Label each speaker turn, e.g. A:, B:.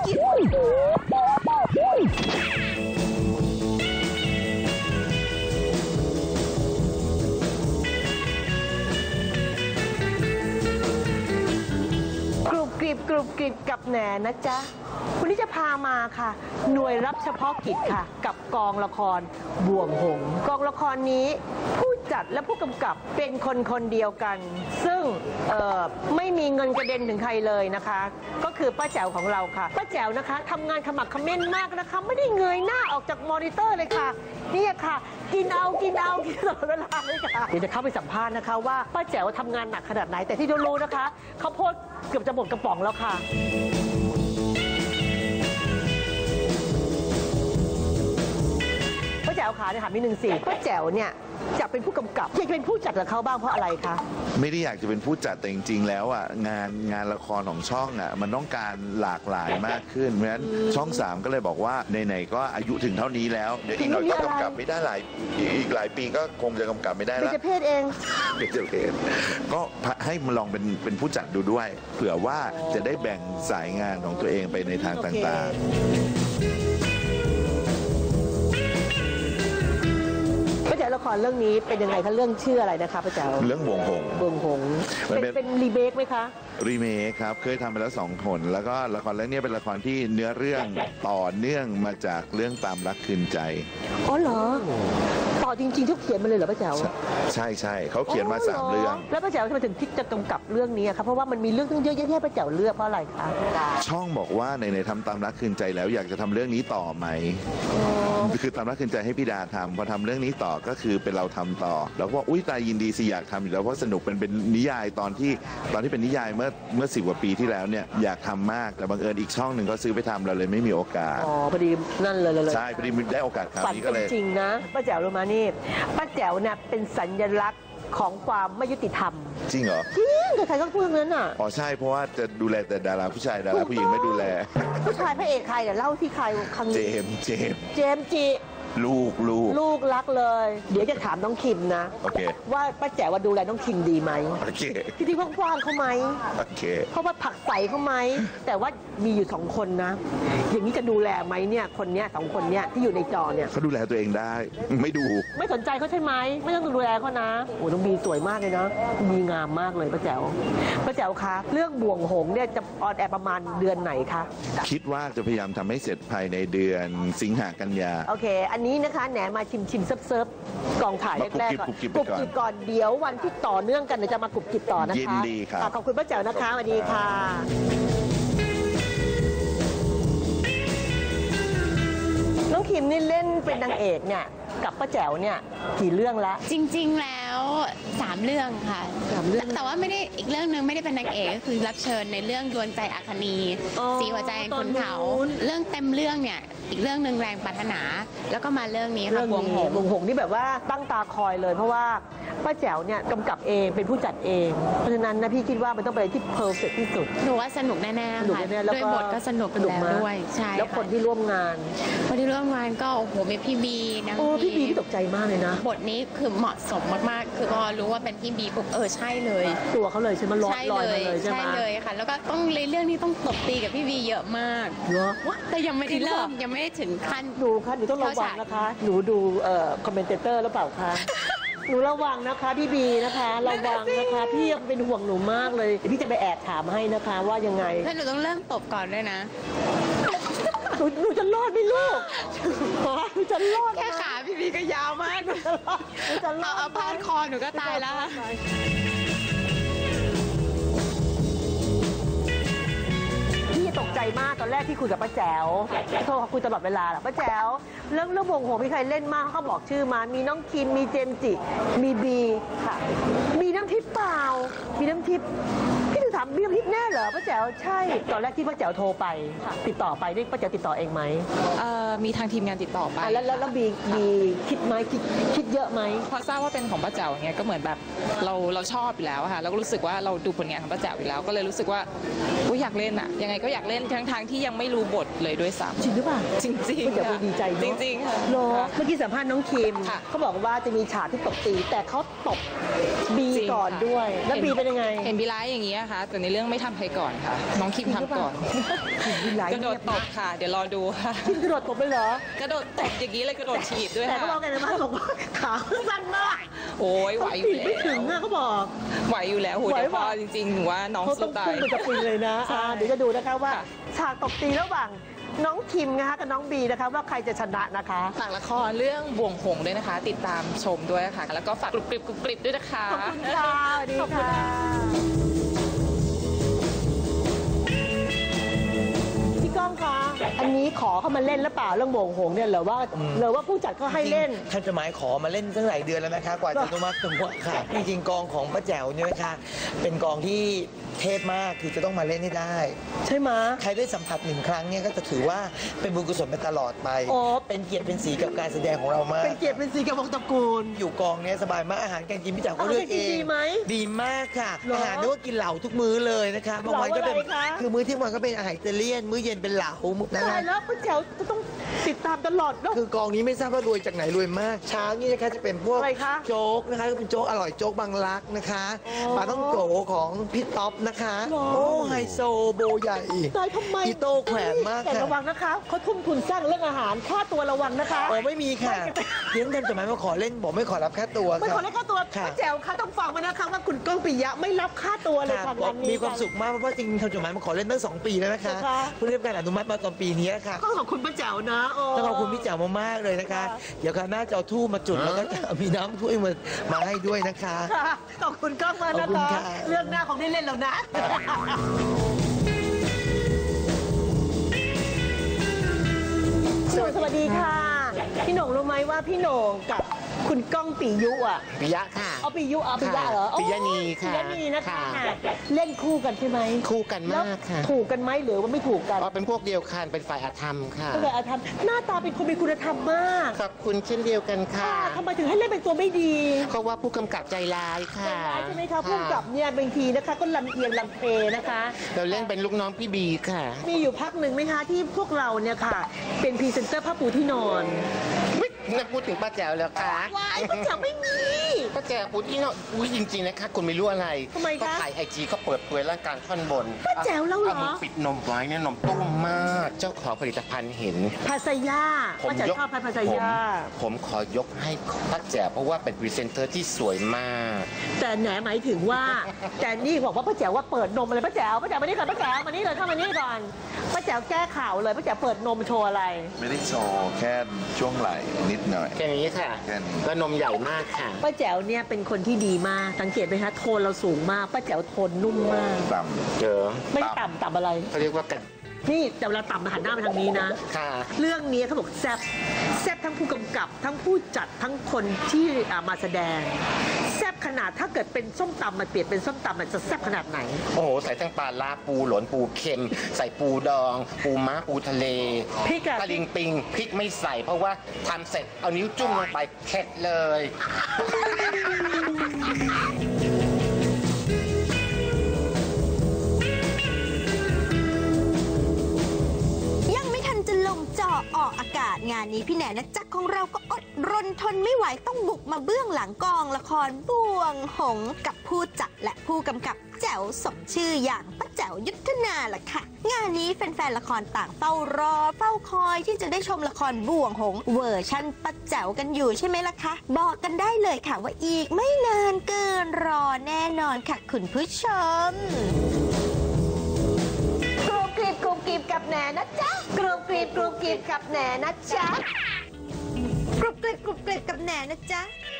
A: กรุบกริบกับแหนนะจ๊ะวันนี้จะพามาค่ะ หน่วยรับเฉพาะกิจค่ะ กับกองละครบ่วงหงส์กองละครนี้ผู้จัดและผู้กำกับเป็นคนเดียวกัน ซึ่งไม่มีเงินกระเด็นถึงใครเลยนะคะ ก็คือป้าแจ๋วของเราค่ะป้าแจ๋วนะคะทำงานขมักเขม้นมากนะคะไม่ได้เงยหน้าออกจากมอนิเตอร์เลยค่ะนี่ค่ะกินตลอดเวลาเลยค่ะเดี๋ยวจะเข้าไปสัมภาษณ์นะคะว่าป้าแจ๋วทำงานหนักขนาดไหนแต่ที่รู้นะคะเขาโพสต์เกือบจะหมดกระป๋องแล้วค่ะป้าแจ๋วขาเนี่ยถามนิดนึงสิป้าแจ๋วเนี่ยจะเป็นผู้กำกับอยากจะเป็นผู้จัดกับเขาบ้างเพราะอะไรคะ
B: ไม่ได้อยากจะเป็นผู้จัดแต่จริงๆแล้วอ่ะงานละครของช่องอ่ะมันต้องการหลากหลายมากขึ้นเพราะฉะนั้นช่อง 3ก็เลยบอกว่าไหนๆก็อายุถึงเท่านี้แล้วเดี๋ยวอีกหน่อยก็กำกับไม่ได้อีกหลายปีก็คงจะกำกับไม่ได้แล้ว
A: เป็นเพศเอง
B: เป็นเพศก็ให้มาลองเป็นผู้จัดดูด้วยเผื่อว่าจะได้แบ่งสายงานของตัวเองไปในทางต่างๆป้าแจ๋วละครเรื่องนี้เป็นยังไงคะเรื่องชื่ออะไรนะคะป้าแจ๋วเรื่องบ่วงหงส์
A: เป็นรีเมคไหมคะ
B: รีเมคครับเคยทำไปแล้ว2 คนแล้วก็ละครเรื่องนี้เป็นละครที่เนื้อเรื่องต่อเนื่องมาจากเรื่องตามรักคืนใจ
A: อ๋อเหรอต่อจริงๆทุกเขียนมาเลยเหรอป้าแจ๋ว
B: ใช่เขาเขียนมา3 เรื่อง
A: แล้วป้าแจ๋วทำไมถึงคิดจะกำกับเรื่องนี้ครับเพราะว่ามันมีเรื่องตั้งเยอะแยะป้าแจ๋วเลือกเพราะอะไรคะ
B: ช่องบอกว่าในทำตามรักคืนใจแล้วอยากจะทำเรื่องนี้ต่อไหมคือตามรักคืนใจให้พี่ดาทำพอทำเรื่องนี้ต่อก็คือเป็นเราทำต่อแล้วก็อุ้ยตายยินดีสิอยากทำอยู่แล้วเพราะสนุกเป็นนิยายตอนที่เป็นนิยายเมื่อ10 กว่าปีที่แล้วเนี่ยอยากทำมากแต่บังเอิญอีกช่องหนึ่งก็ซื้อไปทำเราเลยไม่มีโอกาส
A: พอดีนั่นเลย
B: ใช่พอดีได้โอกาสคราวนี้ก็เลย
A: จริงนะป้าแจ๋วรู้มานี่ป้าแจ๋วเนี่ยเป็นสัญลักษณ์ของความไม่ยุติธรรม
B: จริงเหรอ
A: จริงใครก็พูดงั้นอ่ะ
B: อ๋อใช่เพราะว่าจะดูแลแต่ดาราผู้ชายดาราผู้หญิงไม่ดูแล
A: ผู้ชายพระเอกใครเดี๋ยวเล่าที่ใครครั้งนี้
B: เจมส์
A: จิลูกรักเลยเดี๋ยวจะถามน้องคิมนะ
B: โอเค
A: ว่าป้าแจ๋วว่าดูแลน้องคิมดีไหม
B: โอเค
A: ที่กว้างๆเขาไหม
B: โอเค
A: เพราะว่าผักใสเขาไหมแต่ว่ามีอยู่2 คนนะอย่างนี้จะดูแลไหมเนี่ยคนเนี้ย2 คนเนี้ยที่อยู่ในจอเนี่ย
B: เขาดูแลตัวเองได้ไม่
A: สนใจเขาใช่ไหมไม่ต้องดูแลเขานะโอ้น้องบีสวยมากเลยนะมีงามมากเลยป้าแจ๋วคะเรื่องบ่วงหงส์เนี่ยจะออนแอร์ประมาณเดือนไหนคะ
B: คิดว่าจะพยายามทำให้เสร็จภายในเดือนสิงหากันยา
A: โอเคอันนี้นะคะแหนมาชิมเซิร์ฟกองถ่ายแรกๆก่อนกรุบกริบก่อนเดี๋ยววันที่ต่อเนื่องกันเดี๋ยวจะมากรุบกริบต่อนะคะ
B: ยินดีครับ
A: ขอบคุณป้าแจ๋วนะคะสวัสดีค่ะน้องคิมนี่เล่นเป็นนางเอกเนี่ยกับป้าแจ๋วเนี่ยกี่เรื่องแล้ว
C: จริงๆแล้ว3 เรื่องค่ะ3 เรื่องแต่ว่าไม่ได้อีกเรื่องนึงไม่ได้เป็นนางเอกก็คือรับเชิญในเรื่องดวงใจอัคนีสีหัวใจคุณเขาเรื่องเต็มเรื่องเนี่ยอีกเรื่องนึงแรงปรารถนาแล้วก็มาเรื่องนี้ค่ะบ่วงห
A: งส์นี่แบบว่าตั้งตาคอยเลยเพราะว่าป้าแจ๋วเนี่ยกำกับเองเป็นผู้จัดเองเพราะฉะนั้นนะพี่คิดว่ามันต้องเป็นที่เพอร์เฟคที่สุด
C: หนูว่าสนุกแน่ๆค่ะด้วยบทก็สนุกแล้วด้วยใช่
A: แล้วคนที่ร่วมงาน
C: ก็โอ้โหมีพี่บีนะ
A: พี่บีตกใจมากเลยนะ
C: บทนี้คือเหมาะสมมากๆคือพอรู้ว่าเป็นพี่บีปุ๊บใช่เลย
A: ตัวเขาเลยใช่ไหมลอยมาเลยใช่ไหม
C: ใช่เลยค่ะแล้วก็ต้องเรื่องนี้ต้องตบตีกับพี่บีเยอะมากแต่ยังไม่ได้เริ่มยังไม่ได้ถึงขั้น
A: หนูต้องระวังนะคะหนูดูคอมเมนเตอร์หรือเปล่าคะหนูระวังนะคะพี่บีนะคะระวังนะคะพี่เป็นห่วงหนูมากเลยพี่จะไปแอบถามให้นะคะว่ายังไง
C: ถ้าหนูต้องเริ่มตบก่อนด้วยนะ
A: หนูจะรอดไหมลูกหนูจะรอด
C: แค่ขาพี่บีก็ยาวมากเอาพาดคอหนูก็ตายแล้ว
A: ตกใจมากตอนแรกที่คุยกับป้าแจ๋วโทรคุยตลอดเวลาแหละป้าแจ๋วเรื่องบ่วงหงส์มีใครเล่นมากเขาบอกชื่อมามีน้องคิมมีเจมจิมีบีค่ะมีน้ำทิพย์เปล่ามีน้ำทิพย์พี่ถึงถามมีน้ำทิพย์แน่เหรอป้าแจ๋วใช่ตอนแรกที่ป้าแจ๋วโทรไปติดต่อไปนี่ป้าแจ๋วติดต่อเองไหม
D: มีทางทีมงานติดต่อไป
A: แล้วบีคิดไหมคิดเยอะไหม
D: พอทราบว่าเป็นของป้าแจ๋วอย่างเงี้ยก็เหมือนแบบเราชอบอยู่แล้วค่ะแล้วก็รู้สึกว่าเราดูผลงานของป้าแจ๋วอยู่แล้วก็เลยรู้สึกว่าอยากเล่นอะยังไงก็อยากเล่นทั้งที่ยังไม่รู้บทเลยด้วยซ้ำ
A: จริงหรือเปล่า
D: จริง
A: ป้าแจ๋วดีใจ
D: จริงๆค่ะ
A: เมื่อกี้สัมภาษณ์น้องคิมเขาบอกว่าจะมีฉากที่ตบตีแต่เขาตบบีก่อนด้วยแล้วบีเป็นยังไง
D: เห็นบีร้ายอย่างนี้ค่ะแต่ในเรื่องไม่ทำใครก่อนค่ะ น้องคิมทำก่อน
A: มีหลาย
D: กระโดดตบค่ะ เดี๋ยวรอดูค่ะ
A: คิมกระโดดตบเลยเหรอ
D: กระโดดตบอย่างนี้เลยกระโดดถีบด้วย
A: แต่
D: ค่ะ
A: เขาบอกกันนะว่าบอกว่าขาสั้นมาก
D: โอ้ยไหวอยู่
A: ปีก
D: แล้
A: ไม่ถึง
D: ว
A: อะเขาบอก
D: ไหวอยู่แล้วโห
A: ไหว
D: เดี๋ยวพ
A: ปะ
D: อจริงๆหนูว่าน้อง
A: เขาต้
D: สู้
A: อง
D: ตา
A: พุ่
D: ย
A: งเป็นกระปุยเลยนะ
D: ใช่
A: เดี๋ยวจะดูนะคะว่า
D: ค่ะ
A: ฉากตบตีระหว่างน้องคิมนะคะกับน้องบีนะคะว่าใครจะชนะนะคะ
D: ฝากละครเรื่องบ่วงหงส์ด้วยนะคะ ติดตามชมด้วยค่ะ แล้วก็ฝากกรุบกริบกรุบกริบด้วยนะคะ
A: ขอบคุณค่ะสวัสดี
D: ขอบคุณ
A: ค่ะ พี่ก้องคะ อันนี้ขอเข้ามาเล่นหรือเปล่าเรื่องโบงหงเนี่ยหรือว่าผู้จัดก็ให้เล่น
E: ท่านจะหมายขอมาเล่นตั้งหลายเดือนแล้วนะคะกว่าจะอนุมัติตัวค่ะ จริงๆกองของป้าแจ๋วเนี่ยนะคะเป็นกองที่เทพมากคือจะต้องมาเล่นให้ได้
A: ใช่ไหมะ
E: ใครได้สัมผัสหนึ่งครั้งเนี่ยก็จะถือว่าเป็นบุญกุศลไปตลอดไป
A: โอ้
E: เป็นเกียรติเป็นสีกับการแสดงของเรามาก
A: เป็นเกียรติเป็นสีกับวงตระกูล
E: อยู่กองเนี้ยสบายมากอาหารการกินพี่แจ๋วก็เลือกเอ
A: อาหารการกิน
E: ง
A: ดีไหม
E: ดีมากค่ะ
A: เหรอ
E: อาหารนึกว่ากินเหลาทุกมื้อเลยนะคะบางวันก็เป็น
A: เหลาอะไรคะ
E: คือมื้อเที่ยงวันก็เป็นอาหารอิตาเลียนมื้อเย็นเป็นเหลานะ
A: ตา
E: คะ
A: ยแล้วป้าแจ๋วจะต้องติดตามตลอดเนอะ
E: คือกองนี้ไม่ทราบว่ารวยจากไหนรวยมาก เช้านี่นะคะจะเป็นพวก
A: อะไรคะ
E: โจ๊กนะคะก็เป็นโจ๊กอร่อยโจ๊กบางรักนะคะ
A: อ๋อ
E: ปลาต้องโกของพี่ท็อปนะคะ
A: หรอ
E: โอ้ไฮโซโบใหญ่
A: ตายทำไม
E: อีโต้แขวนมาก
A: แต่
E: ค่ะ
A: ระวังนะคะเขาทุ่มทุนสร้างเรื่องอาหารค่าตัวระวังนะคะ
E: โอ้ไม่มีค่ะเลี้ยงกันจดหมายมาขอเล่นบอกไม่ขอรับค่าตัว
A: ไม่
E: ค่ะ
A: ขอเล่นค่าตัว
E: ค่ะ
A: ป้าแจ๋วคะต้องฟังมานะคะว่าคุณก้องปิยะไม่รับค่าตัวเลย
E: ค่ะ
A: ค่ะ
E: บอก
A: งานนี้
E: มีความสุขมากเพราะว่าจริงๆทำจดหมายมาขอเล่นตั้ง2 ปีแล้วนะคะ
A: ค่ะ
E: เพิ่งได้รับการอนุมัติมาตอนปีนี้ค่ะ
A: ก็ขอบคุณป้าแจ๋วนะโ
E: ต้องขอบคุณพี่แจ๋วมากๆเลยนะคะ เดี๋ยวคราวหน้าจะเอาทูบมาจุดแล้วก็จะมีน้ำถ้วยมาให้ด้วยนะคะ
A: ค่ะขอบคุณก้องมาก
E: ขอ
A: นะ
E: บคุณ
A: คะ
E: ค่ะ
A: เรื่องหน้าของได้เล่นแล้วนะ สวัสดีค่ะ พี่โหน่งรู้ไหมว่าพี่โหน่งกับคุณก้องปิยุอ่ะ
F: ปิยะค่ะ
A: เอาปิยุเอาปิยะเหรอ
F: ปิยะนีค่ะ
A: ปิยะนีนะคะ
F: ค่ะ
A: เล่นคู่กันใช่ไหม
F: คู่กัน
A: แล้ว
F: มากค่ะ
A: ถูกกันไหมหรือว่าไม่ถูกกัน
F: อ๋อเป็นพวกเดียวกันเป็นฝ่ายอาธรรมค่ะ
A: ก็เลยอาธรรมหน้าตาเป็นคนมีคุณธรรมมาก
F: ขอบคุณเช่นเดียวกันค่ะ
A: ทำไมถึงให้เล่นเป็นตัวไม่ดี
F: เพราะว่าผู้กำกับใจร้าย
A: ใจ
F: ค่ะ
A: ร้ายใช่ไหมคะผู้กำกับเนี่ยบางทีนะคะก็ลำเอียงลำเพนะคะ
F: เราเล่นเป็นลูกน้องพี่บีค่ะ
A: มีอยู่พักหนึ่งไหมคะที่พวกเราเนี่ยค่ะ เป็นพรีเซนเตอร์ผ้าปูที่นอน
F: นักพูดถึงป้าแจ๋วแล้วค่ะ
A: วายป้าแจ๋วไม่มี
F: ป้าแจ๋วพูดที่เนาะอุ้ยจริงๆนะคะคุณไม่รู้อะไร
A: ทำไมคะ
F: ก็ถ่ายไอจีก็เปิดเผยร่างกายท่อนบน
A: ป้าแจ๋วแล้วเหรอ
F: มือปิดนมไว้เนี่ยนมตุ้มมาก เจ้าของผลิตภัณฑ์เห็น
A: ภาษายาป้าแจ๋วชอบภาษายา
F: ผมขอยกให้ป้าแจ๋วเพราะว่าเป็นพรีเซนเตอร์ที่สวยมาก
A: แต่แหนหมายถึงว่า แต่นี่บอกว่าป้าแจ๋วว่าเปิดนมอะไรป้าแจ๋วมานี่ก่อนป้าแจ๋วมานี่เลยเข้ามานี่ก่อนป้าแจ๋วแก้ข่าวเลยป้าแจ๋วเปิดนมโชว์อะไร
B: ไม่ได้โชว์แค่ช่วงไหล่นิดหน่อย
F: แค่นี้ค่ะ
B: แค่นี้
F: ก็นมใหญ่มากค่ะ
A: ป้าแจ๋วเนี่ยเป็นคนที่ดีมากสังเกตไหมคะโทนเราสูงมากป้าแจ๋วโทนนุ่มมาก
B: ต่
F: เจอ
A: ไม่ต่ำอะไร
F: เขาเรียกว่ากัน
A: นี่แต่เวลาต่ำมาหันหน้ามาทางนี้นะ
F: ค่ะ
A: เรื่องนี้เขาบอกแซบทั้งผู้กำกับ ทั้งผู้จัดทั้งคนที่มาแสดงแซบขนาดถ้าเกิดเป็นส้มตำมันเปลี่ยนเป็นส้มตำมันจะแซบขนาดไหน
F: โอ้โห ใส่ทั้งปลาลาปูหลนปูเค็ม ใส่ปูดอง ปูม้าปูทะเล
A: พริกอะ
F: ตะลิงปิงพริกไม่ใส่ เพราะว่าทำเสร็จเอานิ้วจุ่มลงไปเข็ดเลย
G: ยังไม่ทันจะลงจอออกอากาศงานนี้พี่แหนนะจักของเราก็อดรนทนไม่ไหวต้องบุกมาเบื้องหลังกองละครบ่วงหงส์กับผู้จัดและผู้กำกับแจ๋วสมชื่ออย่างป้าแจ๋วยุทธนาล่ะค่ะ งานนี้แฟนๆละครต่างเฝ้ารอเฝ้าคอยที่จะได้ชมละครบ่วงหงส์เวอร์ชั่นป้าแจ๋วกันอยู่ใช่ไหมล่ะคะ บอกกันได้เลยค่ะว่าอีกไม่นานเกินรอแน่นอนค่ะคุณผู้ชม
A: กรุบกริบกรุบกริบกับแหนนะจ๊ะกรุบกริบกรุบกริบกับแหนนะจ๊ะ
G: กรุบกริบกรุบกริบกับแหนนะจ๊ะ